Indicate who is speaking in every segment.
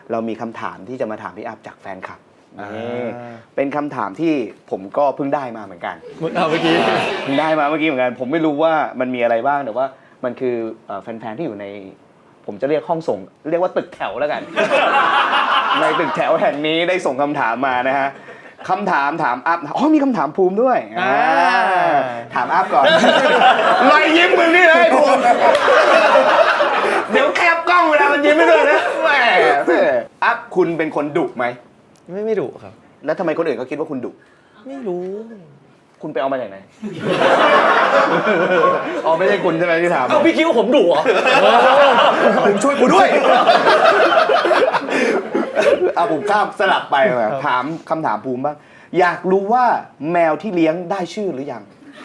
Speaker 1: เรามีคำถามที่จะมาถามพี่อัพจากแฟนคลับเป็นคำถามที่ผมก็เพิ่งได้มาเหมือนกัน
Speaker 2: เมื่อกี้
Speaker 1: เพิ่งได้มาเมื่อกี้เหมือนกันผมไม่รู้ว่ามันมีอะไรบ้างแต่ว่ามันคือแฟนๆที่อยู่ในผมจะเรียกห้องส่งเรียกว่าตึกแถวแล้วกัน ในตึกแถวแห่งนี้ได้ส่งคำถามมานะฮะคำถามอัพมีคำถามภูมิด้วยถามอัพก่อนรอยยิ้มมึงนี่เลยภูมิเดี๋ยวแคบกล้องเวลามันยิ้มไม่ด้วยนะแหมอัพคุณเป็นคนดุไหม
Speaker 2: ไม่ดุครับ
Speaker 1: แล้วทำไมคนอื่นเขาคิดว่าคุณดุ
Speaker 2: ไม่รู้
Speaker 1: คุณไปเอามาจากไหนอ๋อไม่ใช่คุณใช่ไหมที่ถาม
Speaker 2: พี่คิดว่าผมดุเหรอ
Speaker 1: ผมช่วยคุณด้วยผมข้ามสลับไปถามคำถามภูมิบ้างอยากรู้ว่าแมวที่เลี้ยงได้ชื่อหรือยัง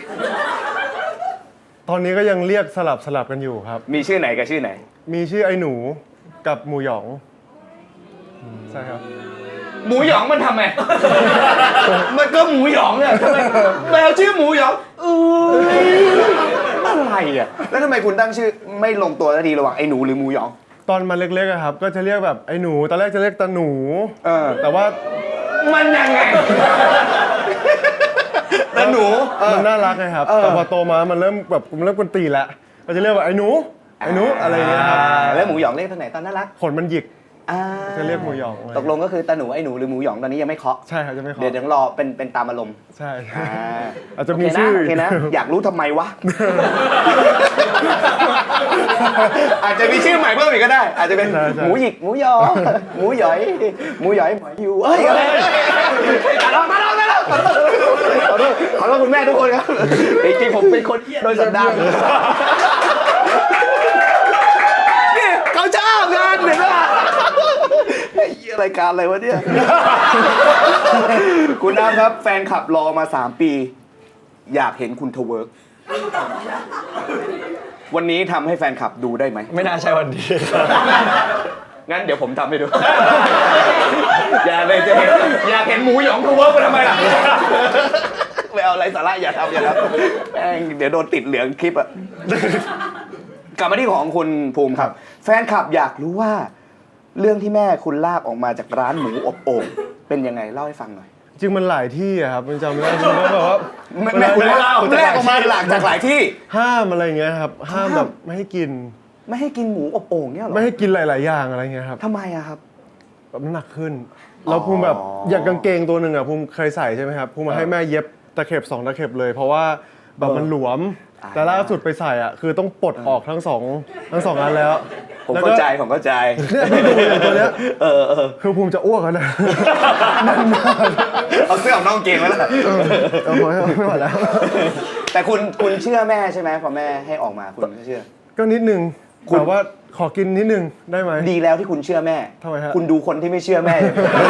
Speaker 3: ตอนนี้ก็ยังเรียกสลับกันอยู่ครับ
Speaker 1: มีชื่อไหนกับชื่อไหน
Speaker 3: มีชื่อไอ้หนูกับหมูหยองใช่ครับ
Speaker 1: หมูหยองมันทำไงมันก็หมูหยองเนี่ยแมวชื่อหมูหยองอะไรอ่ะแล้วทำไมคุณตั้งชื่อไม่ลงตัวสักทีระหว่างไอ้หนูหรือหมูหยอง
Speaker 3: ตอนมันเล็กๆอะครับก็จะเรียกแบบไอ้หนูตอนแรกจะเรียกตาหนูแต่ว่า
Speaker 1: มันยังไงตาหนู
Speaker 3: มันน่ารักไงครับแต่พอโตมามันเริ่มกวนตีแล้วก็จะเรียกว่าไอ้หนูอะไรอย่างเงี้ยครับ
Speaker 1: แล้วหมูหยองเรียกตอนไหนตอนน่ารัก
Speaker 3: ขนมันหยิกจะเรียกหมูหยอง
Speaker 1: ตกลงก็คือตาหนูไอ้หนูหรือหมูหยองตอนนี้ยังไม่เคาะ
Speaker 3: ใช่ครับจะไม่เคาะ
Speaker 1: เดี๋ยวรอเป็นตามอารมณ์
Speaker 3: ใช่อาจจะมีชื่อ
Speaker 1: โอเคนะอยากรู้ทำไมวะอาจจะมีชื่อใหม่เพิ่มอีกก็ได้อาจจะเป็นหมูหยิกหมูหยองหมูหยอยหมูหยอยหมอยอยู่ขอโทษคุณแม่ทุกคนครับจริงๆผมเป็นคนโดยสันดานเขาชอบงานเห็นไหมรายการอะไรวะเนี่ยคุณน้ำครับแฟนคลับรอมา3 ปีอยากเห็นคุณทเวิร์กวันนี้ทำให้แฟนคลับดูได้ไหม
Speaker 2: ไม่น่าใช่วันนี้
Speaker 1: งั้นเดี๋ยวผมทำให้ดูอย่าเลยจะอยากเห็นหมูหยองทเวิร์กไปทำไมล่ะไม่เอาอะไรสาระอย่าทำแม่งเดี๋ยวโดนติดเหลืองคลิปอะกลับมาที่ของคุณภูมิครับแฟนคลับอยากรู้ว่าเรื่องที่แม่คุณลากออกมาจากร้านหมูอบโอ่งเป็นยังไงเล่าให้ฟังหน่อย
Speaker 3: จริงมันหลายที่อะครับมันจำไม่ได้จริงก็แบบว่า
Speaker 1: แม่คุณลากออกมาหลากจากหลายที่
Speaker 3: ห้ามอะไรเงี้ยครับห้ามแบบไม่ให้กิน
Speaker 1: หมูอบโอ่งเนี่ยหรอ
Speaker 3: ไม่ให้กินหลายๆอย่างอะไรเงี้ยครับ
Speaker 1: ทำไมอะครับ
Speaker 3: แบบน้ำหนักขึ้นแล้วภูมิแบบอย่างกางเกงตัวหนึ่งอะภูมิเคยใส่ใช่ไหมครับภูมิมาให้แม่เย็บตะเข็บ2 ตะเข็บเลยเพราะว่าแบบมันหลวมแต่ล่าสุดไปใส่อ่ะคือต้องปลดออกทั้งสองอันแล้ว
Speaker 1: ผมเข้าใจ
Speaker 3: เนี่ยไม่ดูเลยตัวเนี้ยคือภูมิจะอ้วกแล้วนะ
Speaker 1: เอาเสื้อของน้องเกงไว้แล้ว
Speaker 3: ไม่ไหวแล้ว
Speaker 1: แต่คุณเชื่อแม่ใช่ไหมพอแม่ให้ออกมาคุณเชื่อ
Speaker 3: ก็นิดนึงแต่ว่าขอกินนิดนึงได้ไหม
Speaker 1: ดีแล้วที่คุณเชื่อแม่
Speaker 3: ทำไมฮะ
Speaker 1: คุณดูคนที่ไม่เชื่อแม่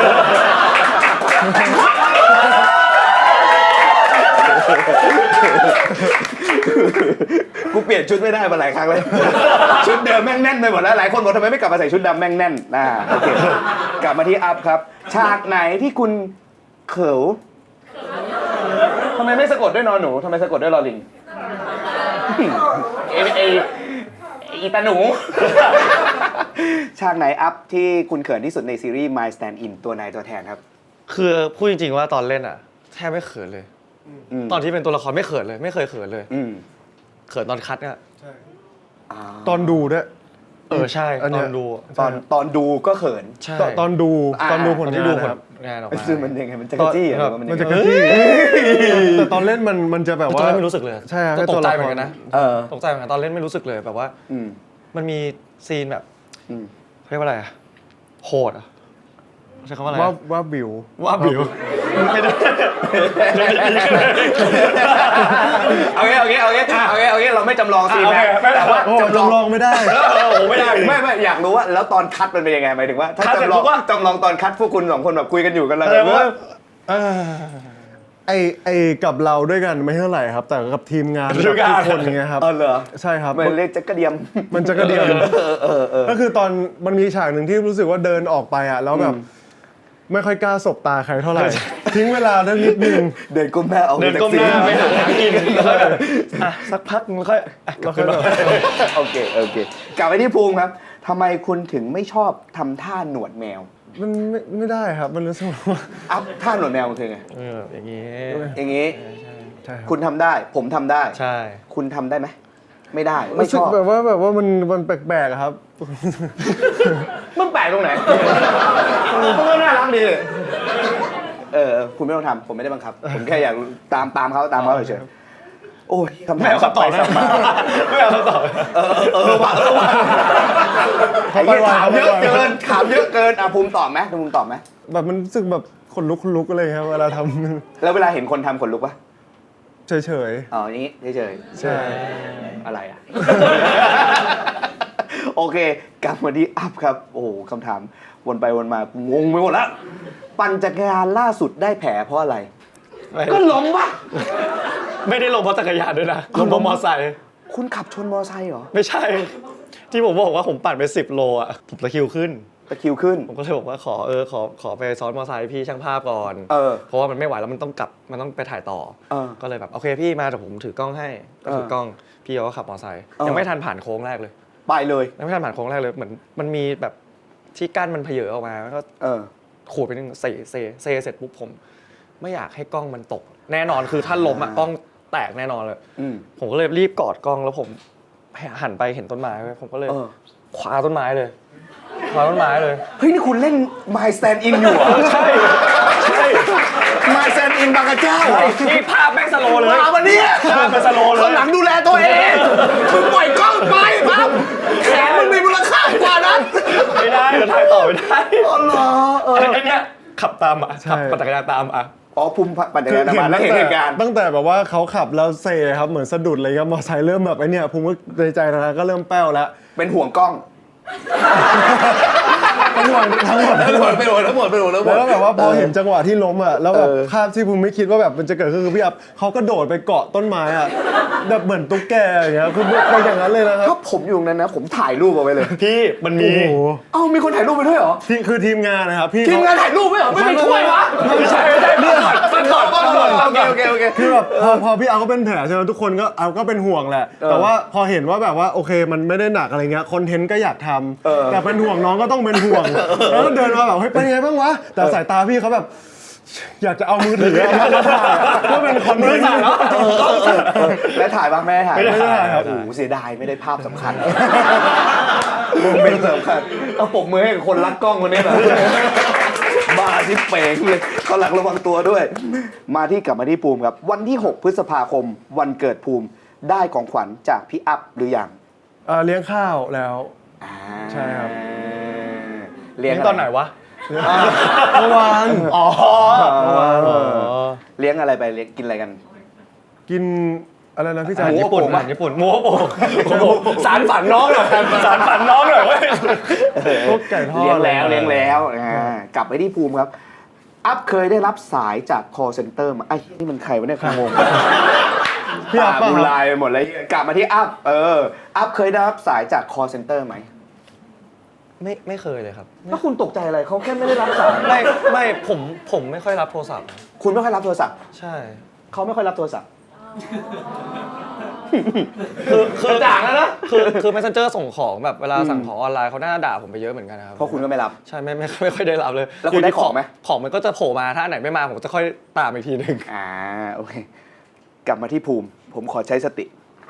Speaker 1: กูเปลี่ยนชุดไม่ได้มาหลายครั้งเลยชุดเดิมแม่งแน่นไปหมดแล้วหลายคนบอกทำไมไม่กลับมาใส่ชุดดำแม่งแน่นโอเคกลับมาที่อัพครับฉากไหนที่คุณเขิวทำไมไม่สะกดด้วยนอหนูทำไมสะกดด้วยลอลิงอีตาหนูฉากไหนอัพที่คุณเขินที่สุดในซีรีส์ My Stand In ตัวนายตัวแทนครับ
Speaker 2: คือพูดจริงๆว่าตอนเล่นอ่ะแทบไม่เขินเลยตอนที่เป็นตัวละครไม่เขินเลยไม่เคยเขินเลยเขินตอนคัดเนี่ย
Speaker 3: ตอนดูด้วย
Speaker 2: ใช่ตอนดู
Speaker 1: ตอนดูก็เขิน
Speaker 3: ตอนดูผล
Speaker 2: งานออกมา
Speaker 1: คือมันยังไงมันจะกระจี้
Speaker 3: มันจะกระจี้แต่ตอนเล่นมันจะแบบว่า
Speaker 2: ตอนเล่นไม่รู้สึกเลย
Speaker 3: ใช่
Speaker 2: ตกใจเหมือนกันนะตกใจเหมือนกันตอนเล่นไม่รู้สึกเลยแบบว่ามันมีซีนแบบเรียกว่าอะไรโหดใช้คำว่าอะไร
Speaker 3: ว่าบิว
Speaker 2: ไม่ได้
Speaker 1: โอเคเราไม่จำลองซีนนะแต่ว่า
Speaker 3: จำลองไม่ได้
Speaker 1: ไม่ได้ไม่อยากรู้ว่าแล้วตอนคัดมันเป็นยังไงหมายถึงว่าถ้าจำลองตอนคัดพวกคุณ2 คนแบบคุยกันอยู่กันแล้ว
Speaker 3: ไอ้กับเราด้วยกันไม่เท่าไหร่ครับแต่กับทีมงานทุกคนเงี้ยครับ
Speaker 1: เหรอ
Speaker 3: ใช่ครับ
Speaker 1: มันเรียกจักระเดียม
Speaker 3: ก็คือตอนมันมีฉากหนึ่งที่รู้สึกว่าเดินออกไปอ่ะแล้วแบบไม่ค่อยกล้าสบตาใครเท่าไหร่ทิ้งเวลาได้นิดนึง
Speaker 1: เดินก้มหน้าออก
Speaker 2: เดินก้มหน้าไปหากินสักพักมันค่อย
Speaker 1: โอเคกลับไปที่ภูมิครับทำไมคุณถึงไม่ชอบทำท่าหนวดแมว
Speaker 3: มันไม่ได้ครับมันรู้สึกว่า
Speaker 1: อัพท่าหนวดแมวมันคือไง
Speaker 2: อย่างนี้
Speaker 1: อย่างนี้
Speaker 3: ใช่ครับ
Speaker 1: คุณทำได้ ผมทำได้
Speaker 2: ใช่
Speaker 1: คุณทำได้ไหมไม่ได้ไม่
Speaker 3: รู้
Speaker 1: ช
Speaker 3: สึก
Speaker 1: อบ
Speaker 3: แบบว่ามันแปลกๆอะครับ
Speaker 1: มันแปลกตรงไหนมันก็น่ารักดีเลยคุณไม่ต้องทำผมไม่ได้บังคับ ผมแค่อยากตามเขาเฉยๆโอ้ยคำถาม
Speaker 2: ไม่เอาคำตอบนะไม่เอาคำตอบ
Speaker 1: ว่ะไอ้เหี้ยถามเยอะเกินภูมิตอบไหมภูมิตอบไหม
Speaker 3: แบบมันรู้สึกแบบขนลุกอะไรครับเวลาทำ
Speaker 1: แล้วเวลาเห็นคนทำขนลุกปะ
Speaker 3: เฉย
Speaker 1: อ๋ออย่างนี้เฉย
Speaker 3: ๆใช่
Speaker 1: ๆอะไรอ่ะ โอเคกลับมาที่อัพครับโอ้โหคำถามวนไปวนมางงไปหมดแล้วปั่นจักรยานล่าสุดได้แผลเพราะอะไร ก็ล้มปะ
Speaker 2: ไม่ได้ลงเพราะจักรยานด้วยนะลงเพราะมอไซค์
Speaker 1: คุณขับชนมอไซค์เหรอ
Speaker 2: ไม่ใช่ ที่ผมบอกว่าผมปั่นไป10 โลอ่ะผมตะคริวขึ้น
Speaker 1: ตะคริวขึ้น
Speaker 2: ผมก็เลยบอกว่าขอไปซ้อนมอไซค์พี่ช่างภาพก่อน เพราะว่ามันไม่ไหวแล้วมันต้องกลับมันต้องไปถ่ายต่อ ก็เลยแบบโอเคพี่มาแต่ผมถือกล้องให้ก็ถือกล้องพี่เขาก็ขับมอไซค์ยังไม่ทันผ่านโค้งแรกเลย
Speaker 1: ไปเลย
Speaker 2: ยังไม่ทันผ่านโค้งแรกเลยเหมือนมันมีแบบที่กั้นมันเพเยอออกมาก็ขูดไปนึงเซเสร็จปุ๊บผมไม่อยากให้กล้องมันตก แน่นอนคือถ้าล้มอะกล้องแตกแน่นอนเลยผมก็เลยรีบกอดกล้องแล้วผมหันไปเห็นต้นไม้ผมก็เลยคว้าต้นไม้เลยเฮ้ยนี่คุณเล่น My Stand In อยู่เหรอใช่
Speaker 1: My Stand In บางกระเจ้าเหรอ
Speaker 2: นี่ภาพแม่งสโลเลย
Speaker 1: มาวันนี้
Speaker 2: ภาพเป็นสโลเลย
Speaker 1: คนหลังดูแลตัวเองมึงปล่อยกล้องไปปั๊บแขนมึงมีมูลค่ากว่านั้น
Speaker 2: ไม่ได้เดี๋ยวถ่ายต่อไม่ได้
Speaker 1: อ๋อเหรอ
Speaker 2: ไอ้เนี่ยขับตามขับปั่นจักรยานตาม
Speaker 1: อ๋อภูมิปั่นจักรยานมาแล้วเห็นเหตุการณ์
Speaker 3: ตั้งแต่แบบว่าเขาขับแล้วเซครับเหมือนสะดุดอะไรครับมอไซค์เริ่มแบบไอ้เนี่ยภูมิก็ในใจนะก็เริ่มแป้วแล้ว
Speaker 1: เป็นห่วงกล้อง
Speaker 3: ทั้งหมด
Speaker 1: แล้ว
Speaker 3: แบบว่าพอเห็นจังหวะที่ล้มอ่ะแล้วแบบภาพที่ภูมิไม่คิดว่าแบบมันจะเกิดขึ้นคือพี่อัพเขาก็โดดไปเกาะต้นไม้อ่ะแบบเหมือนตุ๊กแกอย่างเงี้ยคือเป็นอย่างนั้นเลยนะครับ
Speaker 1: ถ้าผมอยู่ตรงนั้นนะผมถ่ายรูปเอาไว้เลย
Speaker 2: พี่มันมี
Speaker 3: โอ้โห
Speaker 1: เอ้ามีคนถ่ายรูปไปด้วยเหรอ
Speaker 3: คือทีมงานนะครับพี่
Speaker 1: ทีมงานถ่ายรูปไหมเหรอไม่ไปช่วยวะ
Speaker 2: ไม่ใช่เรื่องฟังก่อน
Speaker 1: โอเค
Speaker 3: คือแบบพอพี่อัพก็เป็นแผลใช่ไหมทุกคนก็อัพก็เป็นห่วงแหละแต่ว่าพอเห็นว่าแบบว่าโอเคมันไม่ได้หนักอะไรเงี้ยคอนเทนต์ก็อยากทำแต่เป็นห่วงน้องก็ต้องเป็นห่วงแล้วก็เดินมาแบบเฮ้ยเป็นไงบ้างวะแต่สายตาพี่เขาแบบอยากจะเอามือถือมาถ่ายก็เป็นคอนเทนต์
Speaker 1: แล้วถ่ายบ้างไม่ได้ถ่าย
Speaker 3: ไม่ได้ถ่ายครับ
Speaker 1: โอ้โหเสียดายไม่ได้ภาพสำคัญโมเมนต์สำคัญเอาปมมือให้กับคนรักกล้องคนนี้หน่อยบ้าที่เป่งเลยเขาหลักระวังตัวด้วย กลับมาที่ภูมิครับวันที่ 6 พฤษภาคมวันเกิดภูมิได้ของขวัญจากพี่อัพหรือยัง
Speaker 3: เลี้ยงข้าวแล้วใช่ครับ
Speaker 1: เลี้ยง
Speaker 2: ตอนไหนวะ
Speaker 3: เมื่อวาน
Speaker 2: อ๋อ
Speaker 1: เลี้ยงอะไรไปเลี้ยงกินอะไรกัน
Speaker 3: กินอะไรนะพี่
Speaker 2: อา
Speaker 3: จ๋า
Speaker 2: หาร
Speaker 1: หมู
Speaker 2: ญี่ปุ่น
Speaker 1: โป่งปะ
Speaker 2: อาหารญี่ปุ่นหมูโป่งสารฝันน้องหน่อยสารฝันน้องหน่อยเว้ย
Speaker 3: พวกไก่ทอด
Speaker 1: เลี้ยงแล้วกลับไปที่ภูมิครับ อัพเคยได้รับสายจาก call center มาไอ้นี่มันใครวะเนี่ยงง
Speaker 3: พี่อัพป่ะ
Speaker 1: บุ
Speaker 3: ครับ
Speaker 1: ลายไปหมดเลยกลับมาที่อัพอัพเคยได้รับสายจาก call center ไหม
Speaker 2: ไม่เคยเลยครับ
Speaker 1: ถ้าคุณตกใจอะไรเขาแค่ไม่ได้รับสาย
Speaker 2: ไม่ผมไม่ค่อยรับโทรศัพท์
Speaker 1: คุณไม่ค่อยรับโทรศัพท์
Speaker 2: ใช่
Speaker 1: เขาไม่ค่อยรับโทรศัพท์
Speaker 2: คือก
Speaker 1: ระจ่างแล้วนะ
Speaker 2: คือ messenger ส่งของแบบเวลาสั่งของออนไลน์เขาน่าด่าผมไปเยอะเหมือนกันนะครับ
Speaker 1: เพราะคุณก็ไม่รับ
Speaker 2: ใช่ไม่ค่อยได้รับเลย
Speaker 1: แล้วคุณได้ของไหม
Speaker 2: ของมันก็จะโผล่มาถ้าอันไหนไม่มาผมจะค่อยตามอีกทีหนึ่ง
Speaker 1: โอเค กลับมาที่ภูมิ ผมขอใช้สติ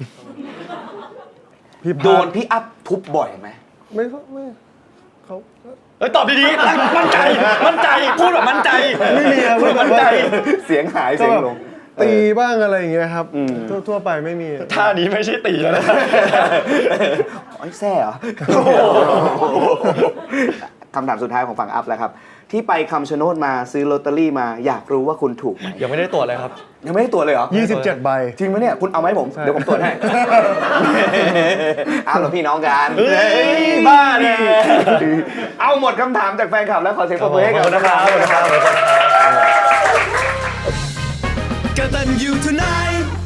Speaker 3: พี่พั
Speaker 1: โดนพี่อัพทุบบ่อยไหม
Speaker 3: ไม่เขา
Speaker 2: เอ้ยตอบดีๆมั่นใจพูดแบบมั่นใจ
Speaker 3: ไม่มีครับ
Speaker 2: พูดแบบมั่นใจ
Speaker 1: เสียงหาย
Speaker 3: ก็
Speaker 1: เสียง
Speaker 3: แบบ
Speaker 1: ลง
Speaker 3: ตีบ้างอะไรอย่างเงี้ยครับทั่วไปไม่มี
Speaker 2: ท่านี้ไม่ใช่ตีแล้วนะ
Speaker 1: ไอ้แซ่เหรอ คำถามสุดท้ายของฝั่งอัพแล้วครับ ที่ไปคำชะโนดมาซื้อลอตเตอรี่มาอยากรู้ว่าคุณถูกไหม
Speaker 2: ยังไม่ได้ตรวจเลยครับ
Speaker 1: ยังไม่ได้ตรวจเลยเหรอ
Speaker 3: 27 ใบ
Speaker 1: จริงไหมเนี่ย คุณเอาไหมาให้ผม
Speaker 3: ใช่
Speaker 1: เดี๋ยวผมตรวจให้ อ้าวเหรอพี่น้องกัน
Speaker 2: เฮ้ยบ้าเนี่ย
Speaker 1: เอาหมดคำถามจากแฟนคลับแล้วขอเสียงปรบมือให้กับนะครับ
Speaker 2: กตัญญู tonight